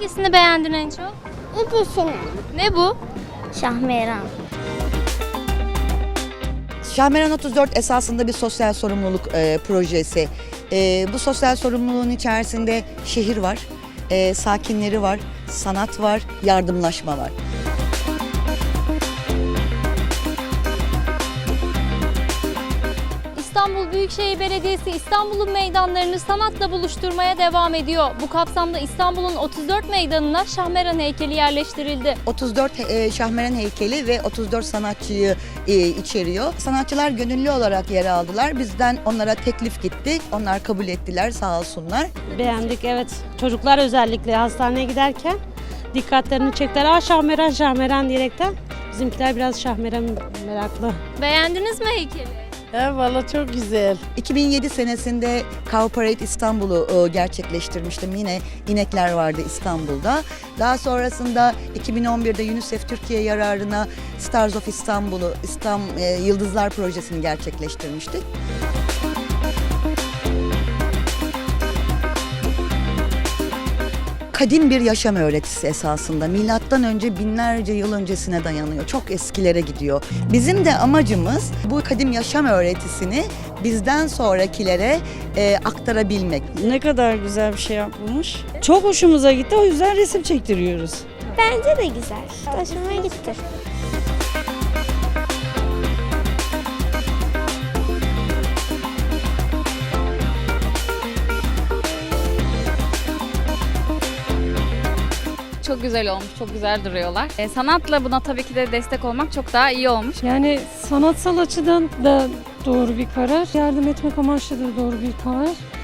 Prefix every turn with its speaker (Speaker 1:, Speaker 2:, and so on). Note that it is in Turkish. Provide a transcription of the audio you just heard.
Speaker 1: Hangisini beğendin en çok?
Speaker 2: İkisini.
Speaker 1: Ne bu?
Speaker 2: Şahmeran.
Speaker 3: Şahmeran 34 esasında bir sosyal sorumluluk projesi. Bu sosyal sorumluluğun içerisinde şehir var, sakinleri var, sanat var, yardımlaşma var.
Speaker 1: İstanbul Büyükşehir Belediyesi İstanbul'un meydanlarını sanatla buluşturmaya devam ediyor. Bu kapsamda İstanbul'un 34 meydanına Şahmeran heykeli yerleştirildi.
Speaker 3: 34 Şahmeran heykeli ve 34 sanatçıyı içeriyor. Sanatçılar gönüllü olarak yer aldılar. Bizden onlara teklif gitti. Onlar kabul ettiler, sağ olsunlar.
Speaker 4: Beğendik, evet. Çocuklar özellikle hastaneye giderken dikkatlerini çektiler. Aa, Şahmeran, Şahmeran diyerekten. Bizimkiler biraz Şahmeran meraklı.
Speaker 1: Beğendiniz mi heykeli?
Speaker 5: Valla çok güzel.
Speaker 3: 2007 senesinde Cow Parade İstanbul'u gerçekleştirmiştim. Yine inekler vardı İstanbul'da. Daha sonrasında 2011'de UNICEF Türkiye yararına Stars of İstanbul'u, Yıldızlar Projesi'ni gerçekleştirmiştik. Kadim bir yaşam öğretisi esasında. Milattan önce binlerce yıl öncesine dayanıyor. Çok eskilere gidiyor. Bizim de amacımız bu kadim yaşam öğretisini bizden sonrakilere aktarabilmek.
Speaker 5: Ne kadar güzel bir şey yapılmış. Çok hoşumuza gitti, o yüzden resim çektiriyoruz.
Speaker 2: Bence de güzel. Hoşuma gitti.
Speaker 6: Çok güzel olmuş, çok güzel duruyorlar. Sanatla buna tabii ki de destek olmak çok daha iyi olmuş.
Speaker 7: Yani sanatsal açıdan da doğru bir karar. Yardım etmek amaçlı da doğru bir karar.